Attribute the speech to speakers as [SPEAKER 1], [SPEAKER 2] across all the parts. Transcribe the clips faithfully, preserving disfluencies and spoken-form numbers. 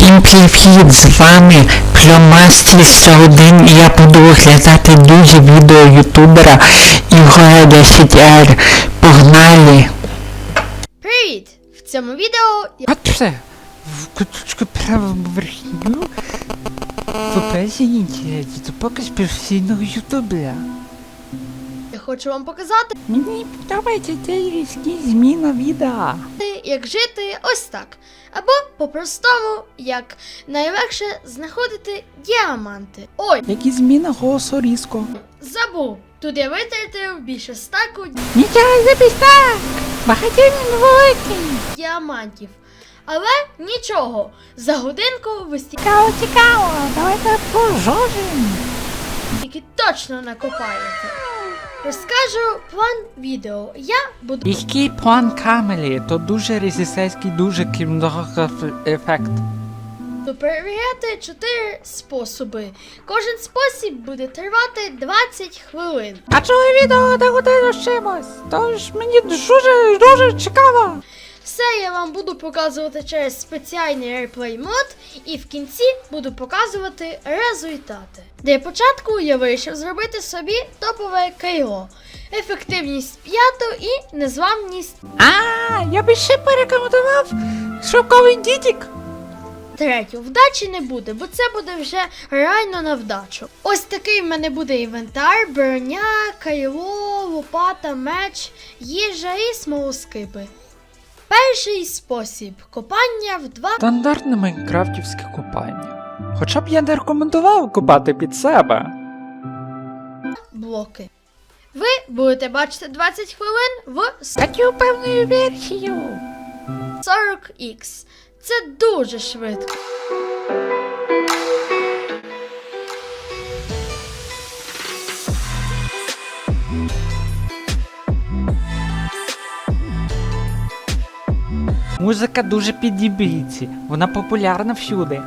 [SPEAKER 1] Всім привіт, з вами Пльомастер сто один і я буду оглядати дуже відео ютубера Ігоря десять ар. Погнали!
[SPEAKER 2] Привіт! В цьому відео я...
[SPEAKER 1] От все, в куточку правому верхню в описі інтернеті, це показ професійного ютубера.
[SPEAKER 2] я хочу вам показати,
[SPEAKER 1] Мені подобається цей різкий зміна відео.
[SPEAKER 2] як жити ось так. Або по-простому, як найлегше знаходити діаманти. Ой,
[SPEAKER 1] Які зміна голосу різко.
[SPEAKER 2] забув! Тут я витратив більше стаку
[SPEAKER 1] Нічого забіг так! Багатинний великий!
[SPEAKER 2] діамантів. Але нічого, за годинку ви
[SPEAKER 1] Цікаво, цікаво, давайте пожожимо.
[SPEAKER 2] стільки точно накопаєте. Розкажу план відео. Я буду
[SPEAKER 1] Різкий план камери, то дуже режисерський, дуже кінематографічний ефект.
[SPEAKER 2] перевіряти чотири способи. Кожен спосіб буде тривати двадцять хвилин.
[SPEAKER 1] А чого відео на годину з чимось? Тож мені дуже, дуже цікаво.
[SPEAKER 2] Все я вам буду показувати через спеціальний реплей мод і в кінці буду показувати результати. Для початку я вирішив зробити собі топове кайло. Ефективність п'яту і незламність
[SPEAKER 1] А, я би ще порекомендував шоковий дідік.
[SPEAKER 2] третю. Вдачі не буде, бо це буде вже реально на вдачу. Ось такий в мене буде інвентар, броня, кайло, лопата, меч, їжа і смолоскипи. Перший спосіб – копання в два
[SPEAKER 1] Стандартне майнкрафтівське купання. Хоча б я не рекомендував купати під себе.
[SPEAKER 2] блоки. Ви будете бачити двадцять хвилин в
[SPEAKER 1] Статтю певною версією.
[SPEAKER 2] сорок ікс. Це дуже швидко.
[SPEAKER 1] Музика дуже підіб'ється, вона популярна всюди.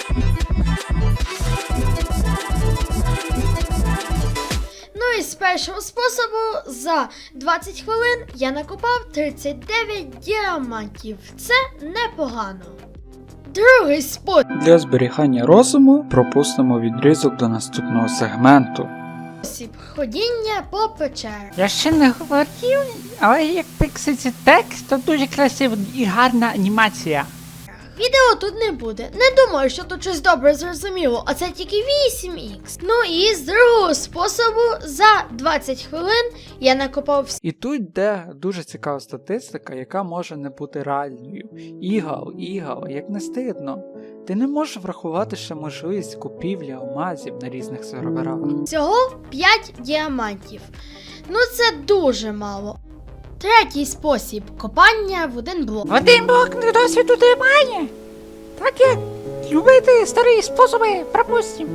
[SPEAKER 2] Ну і з першого способу за двадцять хвилин я накопав тридцять дев'ять діамантів. Це непогано. Другий спосіб
[SPEAKER 1] Для зберігання розуму пропустимо відрізок до наступного сегменту.
[SPEAKER 2] – ходіння по печерах.
[SPEAKER 1] Я ще не говорив, але як пикситься текст, то дуже красива і гарна анімація.
[SPEAKER 2] Відео тут не буде. Не думаю, що тут щось добре зрозуміло, а це тільки вісім ікс. Ну і з другого способу за двадцять хвилин я накопав всі
[SPEAKER 1] І тут йде дуже цікава статистика, яка може не бути реальною. Ігал, ігал, як не стидно. Ти не можеш врахувати ще можливість купівлі алмазів на різних серверах.
[SPEAKER 2] всього п'ять діамантів. Ну це дуже мало. Третій спосіб – копання в один блок.
[SPEAKER 1] Один блок досвіду немає. Так як любити старі способи, пропустим.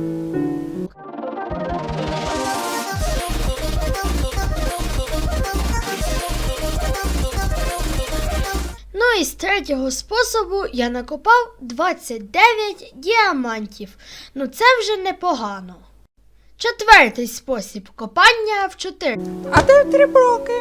[SPEAKER 2] Ну і з третього способу я накопав двадцять дев'ять діамантів. Ну це вже непогано. Четвертий спосіб – копання в чотири.
[SPEAKER 1] А де три блоки?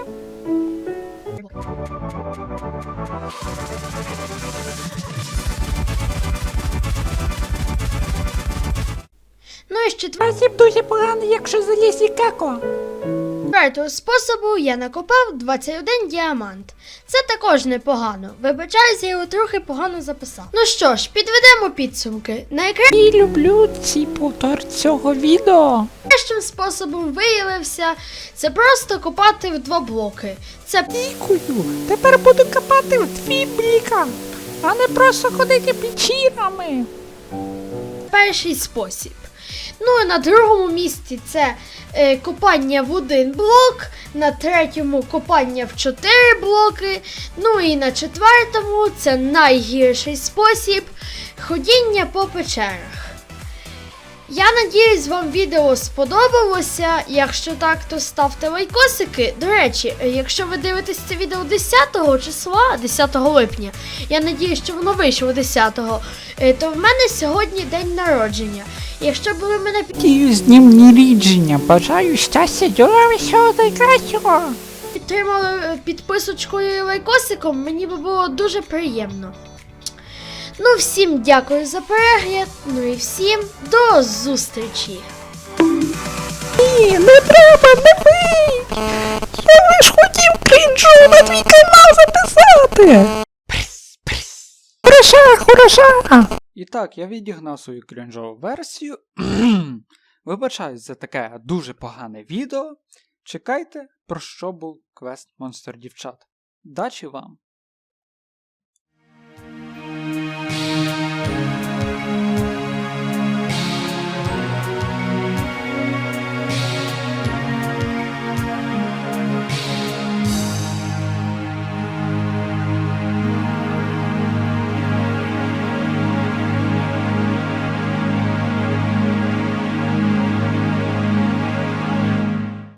[SPEAKER 2] Ну і з четвер-
[SPEAKER 1] Спосіб дуже поганий, якщо заліз і како.
[SPEAKER 2] четвертого способу я накопав двадцять один діамант. Це також непогано. Вибачаюсь, я його трохи погано записав. Ну що ж, підведемо підсумки. Найкращим
[SPEAKER 1] І люблю ці повтор цього відео.
[SPEAKER 2] способом виявився це просто копати в два блоки. Це
[SPEAKER 1] Дякую. Тепер буду копати в твій бліка, а не просто ходити печірами.
[SPEAKER 2] перший спосіб. Ну і на другому місці це е, копання в один блок, на третьому копання в чотири блоки, ну і на четвертому це найгірший спосіб ходіння по печерах. Я надіюсь, вам відео сподобалося. Якщо так, то ставте лайкосики. До речі, якщо ви дивитесь це відео десятого числа, десятого липня, я надіюсь, що воно вийшло десятого, е, то в мене сьогодні день народження. Якщо б ви мене
[SPEAKER 1] Дію з днем народження. Бажаю щастя, здоров'я, всього найкращого.
[SPEAKER 2] підтримали підписочкою і лайкосиком, мені би було дуже приємно. Ну, всім дякую за перегляд, ну і всім до зустрічі!
[SPEAKER 3] Ні, не треба, не бий! Я лиш хотів крінжу на твій канал записати! Прис, прис. Хороша, хороша!
[SPEAKER 1] І так, я відігнав свою крінжову версію. Вибачаюсь за таке дуже погане відео. Чекайте, про що був квест Монстр Дівчат. Дачі вам!